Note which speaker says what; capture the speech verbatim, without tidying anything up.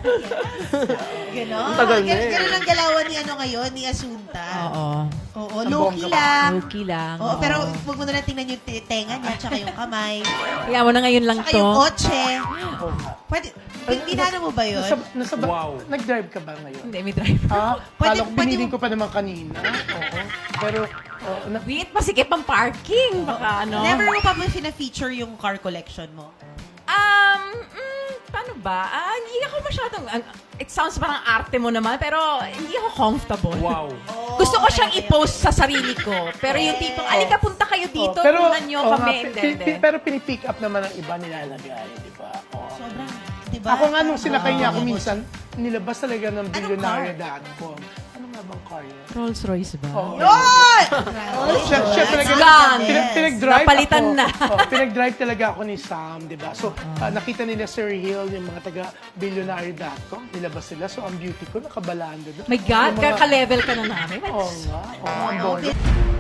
Speaker 1: Ganon.
Speaker 2: Ang tagal na
Speaker 1: Gan-
Speaker 2: eh.
Speaker 1: Ganon ang galawan ni ano ngayon, ni Asunta.
Speaker 3: Oo.
Speaker 1: Oo,
Speaker 2: Ang
Speaker 1: low-key
Speaker 2: bongga pa.
Speaker 1: lang.
Speaker 3: Low-key lang.
Speaker 1: Oo,
Speaker 3: oo.
Speaker 1: pero huwag mo na lang tingnan yung t- tenga niya, tsaka yung kamay,
Speaker 3: Kaya mo na ngayon lang
Speaker 1: tsaka
Speaker 3: to.
Speaker 1: yung kotse.
Speaker 2: Oo nga.
Speaker 1: Pwede, tin- tinano mo ba yun?
Speaker 2: Nasa, nasa ba-
Speaker 4: Wow.
Speaker 2: Nag-drive ka ba ngayon?
Speaker 3: Hindi, may driver.
Speaker 2: Ah,
Speaker 1: Pwede-
Speaker 2: kala ko
Speaker 1: pwede
Speaker 2: binilin
Speaker 1: mo-
Speaker 2: ko pa naman kanina. Oo. Pero, oh, na,
Speaker 3: Wait, masikip ang parking. Baka ano.
Speaker 1: Never mo pa ba fina-feature yung car collection mo?
Speaker 3: Um, mm, paano ba? Ah, hindi ako masyadong, ang- it sounds parang arte mo naman, pero hindi ako comfortable.
Speaker 4: Wow.
Speaker 3: Gusto ko siyang i-post sa sarili ko. Pero yung tipong, alika, punta kayo dito,
Speaker 2: oh, pero,
Speaker 3: tulungan nyo
Speaker 2: oo
Speaker 3: kami.
Speaker 2: nga,
Speaker 3: Hindi,
Speaker 2: pi-
Speaker 3: hindi.
Speaker 2: pi- pero pinipick up naman ng iba nilalagay, di ba? Oo.
Speaker 1: Sobrang, di ba?
Speaker 2: Ako nga nung sinakay niya ako
Speaker 1: Oo.
Speaker 2: minsan, nilabas talaga ng
Speaker 1: car?
Speaker 2: billionaire dot com. Ano nga bang car yun?
Speaker 3: Rolls Royce ba?
Speaker 2: Oo.
Speaker 1: Yun!
Speaker 2: Siya, siya talaga,
Speaker 3: Gone.
Speaker 2: pinag, pinag-drive
Speaker 3: Napalitan
Speaker 2: ako.
Speaker 3: na.
Speaker 2: Oh, pinag-drive talaga ako ni Sam, di ba? So, ah, nakita nila Sir Hill, yung mga taga billionaire dot com, nilabas sila. So, ang beauty ko, nakabalando doon.
Speaker 3: My God,
Speaker 2: Yung mga-
Speaker 3: ka-level ka na namin.
Speaker 2: Oo nga. Oo, ang
Speaker 1: Oo,
Speaker 2: bono.
Speaker 1: bit-